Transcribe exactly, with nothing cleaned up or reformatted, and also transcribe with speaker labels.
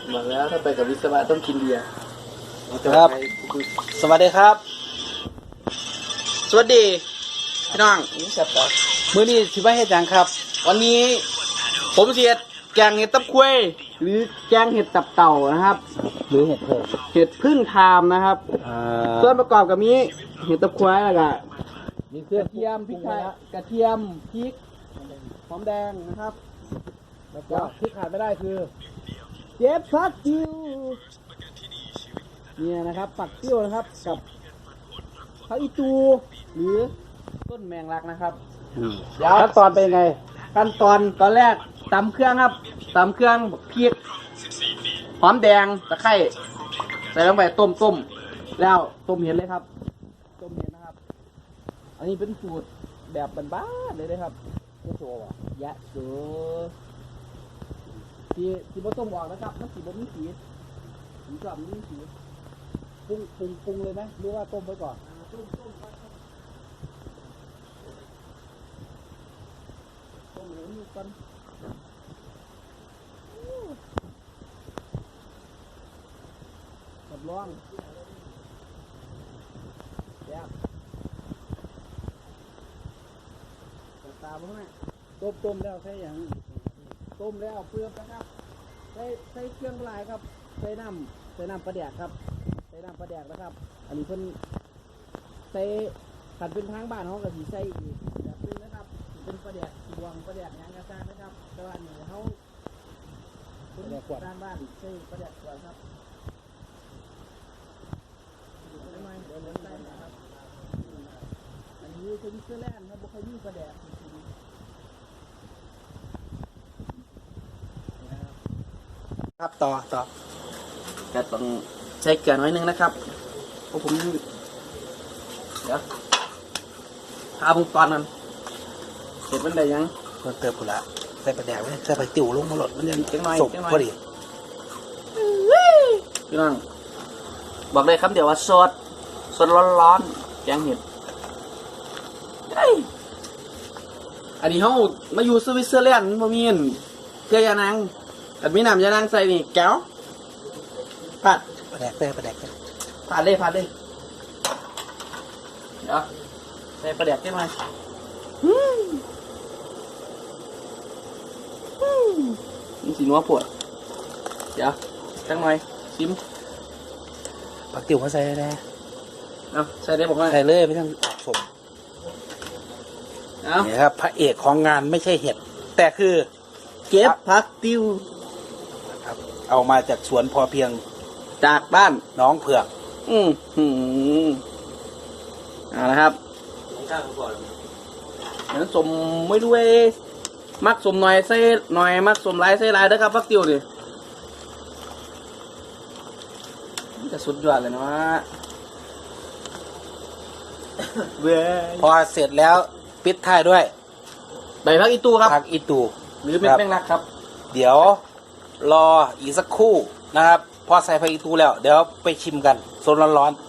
Speaker 1: บอกแล้วถ้าไปกับวิศวะต้องกินเบียร์
Speaker 2: ครับ สวัสดีครับ
Speaker 1: สวัสดีพี่น้องนี่แซ่บปะ
Speaker 2: มื้อนี้สิว่าเฮ็ดหยังครับ
Speaker 1: วันนี้ผมเสียดแกงเห็ดตับควยหรือแกงเห็ดตับเต่านะครับ
Speaker 2: หรือเห็ดเพิ่ม
Speaker 1: เห็ดพึ่งทามนะครับ
Speaker 2: อ่า
Speaker 1: ส่วนประกอบกับมีเห็ดตับควยแล้วก็
Speaker 2: มีเครื่อง
Speaker 1: กระเทียมพริกไทยกระเทียมพริกหอมแดงนะครับ
Speaker 2: แล้วก็ที่ขาดไม่ได้คือ
Speaker 1: เจ็บผักติ้วเนี่ยนะครับผักติ้วนะครับกับผักอีตูหรือต้นแมงลักนะครับ เดี๋ยว
Speaker 2: ขั้นตอนเป็นยังไง
Speaker 1: ขั้นตอนตอนแรกตำเครื่องครับตำเครื่องพริกหอมแดงตะไคร้ใส่ลงไปต้มต้มแล้วต้มเห็ดเลยครับต้มเห็ดนะครับ อันนี้เป็นสูตรแบบบ้านๆเลยนะครับ
Speaker 2: ไม่โชว์อ่ะ
Speaker 1: ยะโสที่ที่บ่ต้มออกนะครับมันสีบ่มีสีสีกรอบมันมีสี
Speaker 2: ปรุงปรุงปรุงเลยไหมหรือว่าต้มไว้ก่อน
Speaker 1: ต้มต้มก่อนครับต้มเหลืองก่อนกับร้องแซ่บตาบ่แม่
Speaker 2: ต้มต้มแล้วใช่หยัง
Speaker 1: ต้มแล้วเปลือกนะครับใส่ใส่เครื่องลายครับใส่น้ำใส่น้ำปลาแดกครับใส่น้ำปลาแดกนะครับ อันนี้เพิ่นใส่ขันเป็นทางบ้านเขาก็สีใส่อีกแบบนึงนะครับสิเป็นปลาแดกดวงปลาแดกหยังกระซ่างนะครับแต่ว่าอันนี้เขาเป็นด้านบ้านใส่ปลาแดกก่อนครับเดี๋ยวหน่อยเดี๋ยวเหลืองใส่นะครับอันนี้คือเสื้อแล่นครับบุคคลมีปลาแดก
Speaker 2: ครับต่อต่อ
Speaker 1: ก็ต้องใช้เกลือน้อยนึงนะครับเพราะผมเดี๋ยวพาผมตอนนั้นเห็ดมันได้ยัง
Speaker 2: เพิ่มเติมกูละใส่ปลาแดกไว้ใส่ปลาติ๋วลงมาหลดมันยัง
Speaker 1: จังหน่อย
Speaker 2: สุก
Speaker 1: จังหน่อย
Speaker 2: พอดี
Speaker 1: พี่น้องบอกเลยครับเดี๋ยวว่าสดสดร้อนๆแกงเห็ดเฮ้ยอันนี้เขามาอยู่สวิตเซอร์แลนด์บ่มีนเกลือยานางแต่มีน้ำยานางใส่นี่แก้วผัด
Speaker 2: ปลาแดกใส่ปลาแดกใส่
Speaker 1: ผัดเลยผัดเลยเดี๋ยวใส่ปลาแดกได้ไหมอืมอืมนี่สีนัวปวดเดี๋ยวจังหน่อยชิม
Speaker 2: ปลาติ๋วเขาใส่ได้
Speaker 1: เอาใส่ได้บอกว่า
Speaker 2: ใส่เลยไม่ต้องสม
Speaker 1: เอา
Speaker 2: นี่ครับพระเอกของงานไม่ใช่เห็ด แต่คือ
Speaker 1: เก็บผักติ้ว
Speaker 2: ครับเอามาจากสวนพอเพียง
Speaker 1: จากบ้าน
Speaker 2: น้องเผือก
Speaker 1: อืมหืมเอาละครับเดี๋ยวสมไม่ด้วยมักสมหน่อยใส่หน่อยมักสมหลายใส่หลายเด้อครับผักติ้วดิมันจะสุดยอดเลยนะวะเว้ย
Speaker 2: พอเสร็จแล้วปิดท้ายด้วย
Speaker 1: ใบผักอีตูครับ
Speaker 2: ผักอีตู
Speaker 1: หรือเม็ด
Speaker 2: ครับ
Speaker 1: แมงลักครับ
Speaker 2: เดี๋ยวรออีกสักครู่นะครับ พอใส่ผักอีตูแล้ว เดี๋ยวไปชิมกันโซนร้อนๆ